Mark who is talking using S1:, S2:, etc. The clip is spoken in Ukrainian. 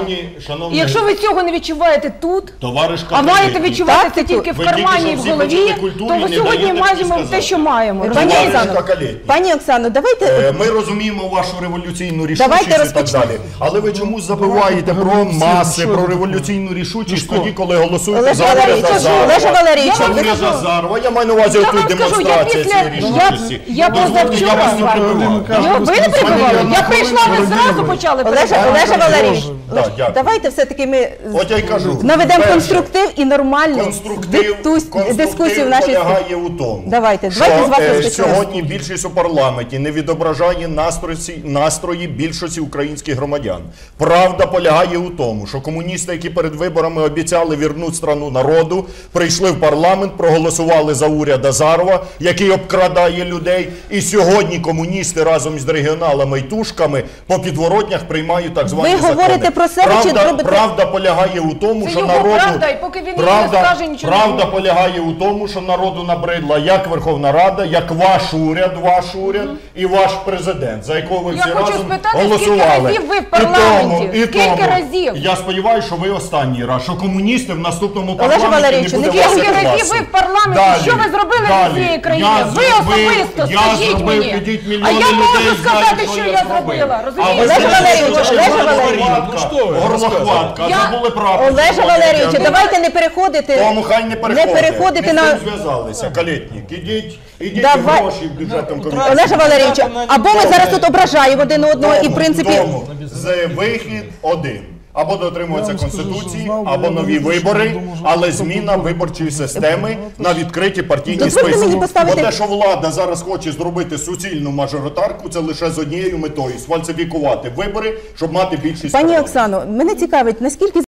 S1: І якщо ви цього не відчуваєте тут, а маєте відчувати це тільки в кармані і в голові, то ви сьогодні маємо те, що маємо.
S2: Пані Оксано, давайте...
S3: Ми розуміємо вашу революційну рішучість і так далі. Але ви чомусь забуваєте про маси, про революційну рішучість тоді, коли голосуєте за уряд Азарова. Я маю на увазі отут демонстрація цієї рішучості.
S1: Я позавчора... Ви не прибивали? Я прийшла, ви зразу почали прибивати.
S2: Олеже Валерійович, давайте все-таки ми наведемо конструктив і нормальну дискусію в нашій
S3: полягає у тому, що сьогодні більшість у парламенті не відображає настрої більшості українських громадян. Правда полягає у тому, що комуністи, які перед виборами обіцяли вірнути страну народу, прийшли в парламент, проголосували за уряд Азарова, який обкрадає людей, і сьогодні комуністи разом з регіоналами і тушками по підворотнях приймають так звані закони.
S2: Ви говорите про себе чи робите...
S3: Правда полягає у тому, що правда полягає у тому, що народу набридла як Верховна Рада, як ваш уряд і ваш президент, за якого ви всі разом голосували.
S1: Я хочу спитати, скільки разів ви в парламенті? Скільки разів?
S3: Я сподіваюся, що ви останній раз, що комуністи в наступному парламенті не буде вас
S1: Скільки разів ви в парламенті? Що ви зробили для цієї країни? Ви особисто, скажіть мені. А я можу сказати, що я зробила.
S2: Олеже Валерійовичу, давайте не переходити.
S3: Тому хай не переходите. Ми з цим зв'язалися. Калєтнік, ідіть гроші бюджетом комітету.
S2: Олеже Валерійовичу, або ми зараз тут ображаємо один одного і в принципі...
S3: Вихід один. Або дотримуються Конституції, або нові вибори, але зміна виборчої системи на відкриті партійні списки. Бо те, що влада зараз хоче зробити суцільну мажоритарку, це лише з однією метою – сфальсифікувати вибори, щоб мати більшість.
S2: Пані Оксано, мене цікавить, наскільки